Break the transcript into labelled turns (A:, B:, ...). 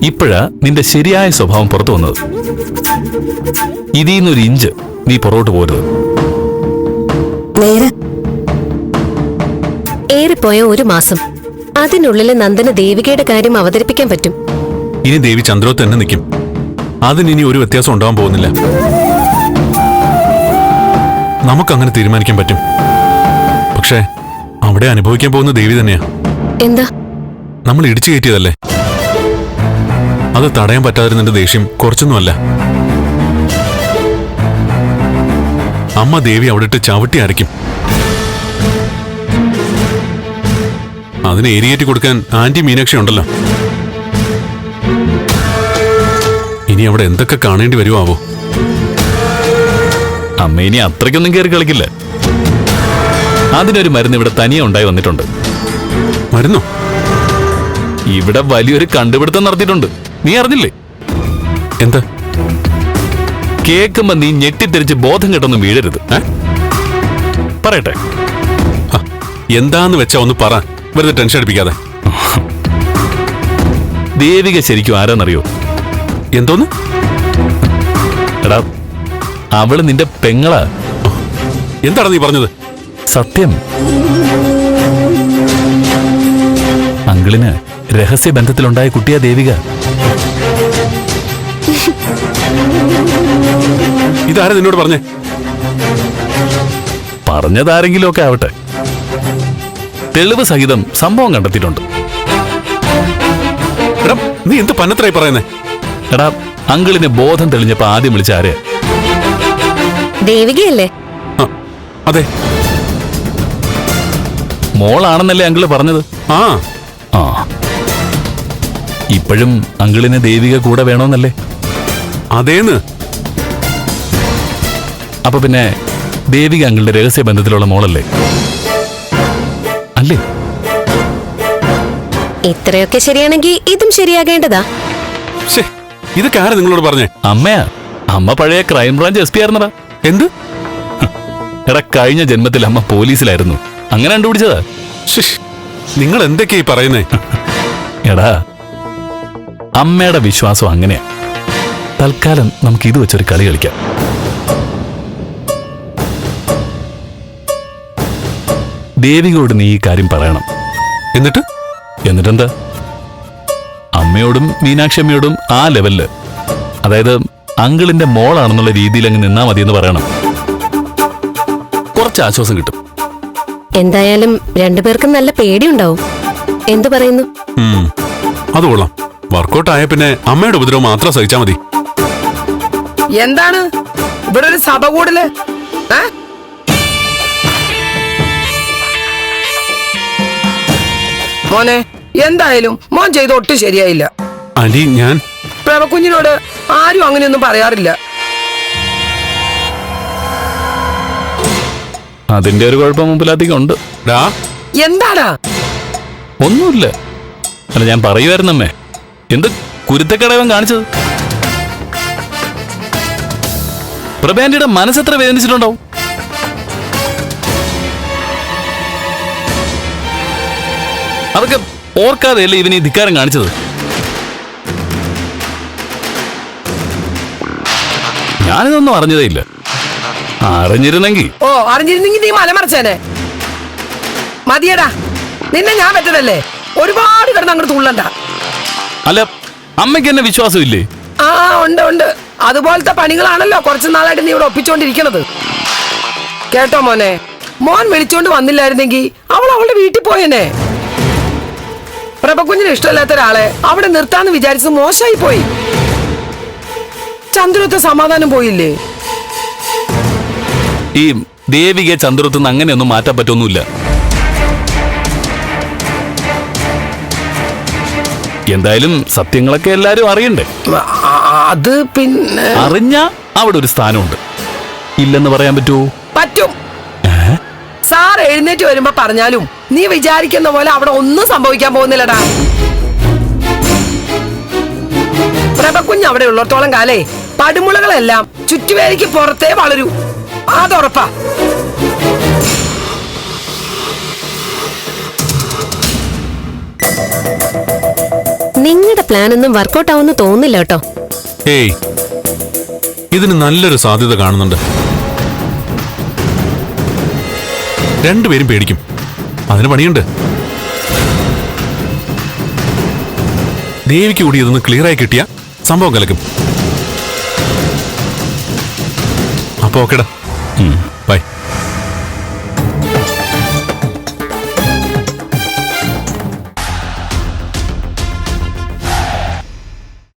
A: ഇപ്പോഴാ നിന്റെ ശരിയായ സ്വഭാവം പുറത്തു വന്നത്. ഇതിന്നൊരു ഇഞ്ച് നീ പുറകോട്ട് പോരുത്.
B: ഏറിപ്പോയ ഒരു മാസം, അതിനുള്ളിൽ നന്ദന് ദേവികയുടെ കാര്യം അവതരിപ്പിക്കാൻ പറ്റും.
C: ഇനി ദേവി ചന്ദ്രോത്ത് തന്നെ നിൽക്കും. അതിനി ഒരു വ്യത്യാസം ഉണ്ടാവാൻ പോകുന്നില്ല. നമുക്കങ്ങനെ തീരുമാനിക്കാൻ പറ്റും. പക്ഷേ അവിടെ അനുഭവിക്കാൻ പോകുന്ന ദേവി തന്നെയാ.
B: എന്താ?
C: നമ്മൾ ഇടിച്ചു കയറ്റിയതല്ലേ. അത് തടയാൻ പറ്റാതിരുന്നതിന്റെ ദേഷ്യം കുറച്ചൊന്നുമല്ല. അമ്മ ദേവി അവിടെ ഇട്ട് ചവിട്ടി അരയ്ക്കും. അതിന് ഏരിയേറ്റ് കൊടുക്കാൻ ആന്റി മീനാക്ഷി ഉണ്ടല്ലോ. ഇനി അവിടെ എന്തൊക്കെ കാണേണ്ടി വരുമോ ആവോ.
A: അമ്മ ഇനി അത്രയ്ക്കൊന്നും കയറി കളിക്കില്ല. അതിനൊരു മരുന്ന് ഇവിടെ തനിയെ ഉണ്ടായി വന്നിട്ടുണ്ട്.
C: മരുന്നോ?
A: ഇവിടെ വലിയൊരു കണ്ടുപിടുത്തം നടത്തിയിട്ടുണ്ട്. നീ അറിഞ്ഞില്ലേ?
C: എന്താ?
A: കേൾക്കുമ്പോ നീ ഞെട്ടിത്തെറിച്ച് ബോധം കെട്ടൊന്നും വീഴരുത്. പറയട്ടെ.
C: എന്താന്ന് വെച്ചാ ഒന്ന് പറ, വെറുതെ ടെൻഷൻ അടിപ്പിക്കാതെ.
A: ദേവിക ശരിക്കും ആരാന്നറിയോ?
C: എന്തോന്ന്?
A: എടാ, അവള് നിന്റെ പെങ്ങളാ.
C: എന്താണ് നീ പറഞ്ഞത്?
A: സത്യം. അങ്കിളിന് രഹസ്യ ബന്ധത്തിലുണ്ടായ കുട്ടിയാ ദേവിക.
C: ഇതാരാ നിന്നോട് പറഞ്ഞേ?
A: പറഞ്ഞതാരെങ്കിലും ഒക്കെ ആവട്ടെ. തെളിവ് സഹിതം സംഭവം കണ്ടെത്തിയിട്ടുണ്ട്.
C: എടാ, നീ എന്ത് പന്നത്രായി പറയുന്നേ?
A: എടാ, അങ്കിളിന് ബോധം തെളിഞ്ഞപ്പോ ആദ്യം വിളിച്ച ആരെ?
B: ദേവികയല്ലേ?
C: അതെ.
A: മോളാണെന്നല്ലേ അങ്കിള് പറഞ്ഞത്?
C: ആ
A: ആ ഇപ്പോഴും അങ്കിളിന് ദേവിക കൂടെ വേണമെന്നല്ലേ?
C: അതേന്ന്.
A: അപ്പൊ പിന്നെ ദേവിക അങ്കിളുടെ രഹസ്യ ബന്ധത്തിലുള്ള മോളല്ലേ? അല്ലേ?
B: ഇത്രയൊക്കെ ശരിയാണെങ്കിൽ ഇതും ശരിയാകേണ്ടതാ.
C: ഇതൊക്കെ ആരാ നിങ്ങളോട് പറഞ്ഞേ?
A: അമ്മയാ. അമ്മ പഴയ ക്രൈംബ്രാഞ്ച് SP ആയിരുന്നടാ.
C: എന്ത്?
A: എടാ, കഴിഞ്ഞ ജന്മത്തിൽ അമ്മ പോലീസിലായിരുന്നു. അങ്ങനെ കണ്ടുപിടിച്ചതാ.
C: നിങ്ങൾ എന്തൊക്കെയാ ഈ പറയുന്നേ?
A: എടാ, അമ്മയുടെ വിശ്വാസം അങ്ങനെയാ. തൽക്കാലം നമുക്ക് ഇത് വെച്ചൊരു കളി കളിക്കാം. ദേവികയോട് നീ ഈ കാര്യം പറയണം. എന്നിട്ടെന്താ? അമ്മയോടും മീനാക്ഷി അമ്മയോടും ആ ലെവലില്, അതായത് അങ്കിളിന്റെ മോളാണെന്നുള്ള രീതിയിൽ അങ്ങ് നിന്നാ മതിയെന്ന് പറയണം. കുറച്ച് ആശ്വാസം കിട്ടും.
B: എന്തായാലും രണ്ടുപേർക്കും നല്ല പേടിയുണ്ടാവും. എന്തു പറയുന്നു?
C: അത് കൊള്ളാം. വർക്കൗട്ട് ആയ പിന്നെ അമ്മയുടെ ഉപദ്രവം മാത്രം സഹിച്ചാ മതി.
D: എന്താണ് ഇവിടെ ഒരു സഭ കൂടല്? മോനെ, എന്തായാലും മോൻ ചെയ്ത് ഒട്ടും ശരിയായില്ല.
C: അലി, ഞാൻ
D: പ്രഭകുഞ്ഞിനോട് ആരും അങ്ങനെയൊന്നും പറയാറില്ല.
A: അതിന്റെ ഒരു കുഴപ്പം മുമ്പിലധികം ഉണ്ട്.
D: എന്താടാ?
A: ഒന്നുമില്ല. അല്ല, ഞാൻ പറയുമായിരുന്നമ്മേ, എന്ത് കുരുത്തക്കടവൻ കാണിച്ചത്. പ്രഭാന്റിയുടെ മനസ്സെത്ര വേദനിച്ചിട്ടുണ്ടാവും. അതൊക്കെ ഓർക്കാതെയല്ലേ ഇവന് ഈ ധിക്കാരം കാണിച്ചത്. ഞാനിതൊന്നും അറിഞ്ഞതേ ഇല്ല. അറിഞ്ഞിരുന്നെങ്കിൽ
D: നീ മലമറിച്ചേനെ. മതിയടാ, നിന്നെ ഞാൻ പറ്റതല്ലേ. ഒരുപാട് കിടന്ന് അങ്ങോട്ട് തുള്ളണ്ട.
A: അല്ല, അമ്മയ്ക്ക് എന്നെ വിശ്വാസമില്ലേ?
D: ആ, ഉണ്ട്. അതുപോലത്തെ പണികളാണല്ലോ കുറച്ചു നാളായിട്ട് നീ ഇവിടെ ഒപ്പിച്ചോണ്ടിരിക്കണത്. കേട്ടോ മോനെ, മോൻ വിളിച്ചോണ്ട് വന്നില്ലായിരുന്നെങ്കിൽ അവൾ അവളുടെ വീട്ടിൽ പോയേനെ. പ്രഭകുഞ്ഞിന് ഇഷ്ടമില്ലാത്ത ഒരാളെ അവിടെ നിർത്താന്ന് വിചാരിച്ച് മോശമായി പോയി. ചന്ദ്രത്തെ സമാധാനം പോയില്ലേ?
A: ഈ ദേവിക ചന്ദ്രത്തുനിന്ന് അങ്ങനെയൊന്നും മാറ്റാൻ പറ്റൊന്നുമില്ല. എന്തായാലും സത്യങ്ങളൊക്കെ എല്ലാരും അറിയണ്ടേ?
D: അത് പിന്നെ
A: അറിഞ്ഞാ അവിടെ ഒരു സ്ഥാനമുണ്ട്. ഇല്ലെന്ന് പറയാൻ പറ്റുമോ?
D: പറ്റും. സാർ എഴുന്നേറ്റ് വരുമ്പോ പറഞ്ഞാലും നീ വിചാരിക്കുന്ന പോലെ അവിടെ ഒന്നും സംഭവിക്കാൻ പോകുന്നില്ലടാ. പ്രഭകുഞ്ഞ് അവിടെ ഉള്ളിടത്തോളം കാലേ പടുമുളകളെല്ലാം ചുറ്റുവേലിക്ക് പുറത്തേ വളരൂ. അതുറപ്പാ.
B: നിങ്ങളുടെ പ്ലാൻ ഒന്നും വർക്കൗട്ട് ആവുമെന്ന് തോന്നില്ല കേട്ടോ.
C: ഏയ്, ഇതിന് നല്ലൊരു സാധ്യത കാണുന്നുണ്ട്. രണ്ടുപേരും പേടിക്കും. അതിന് പണിയുണ്ട്. ദേവിക്ക് കൂടി ഇതൊന്ന് ക്ലിയർ ആയി കിട്ടിയ സംഭവം കലക്കും. അപ്പൊ ഓക്കെടാ.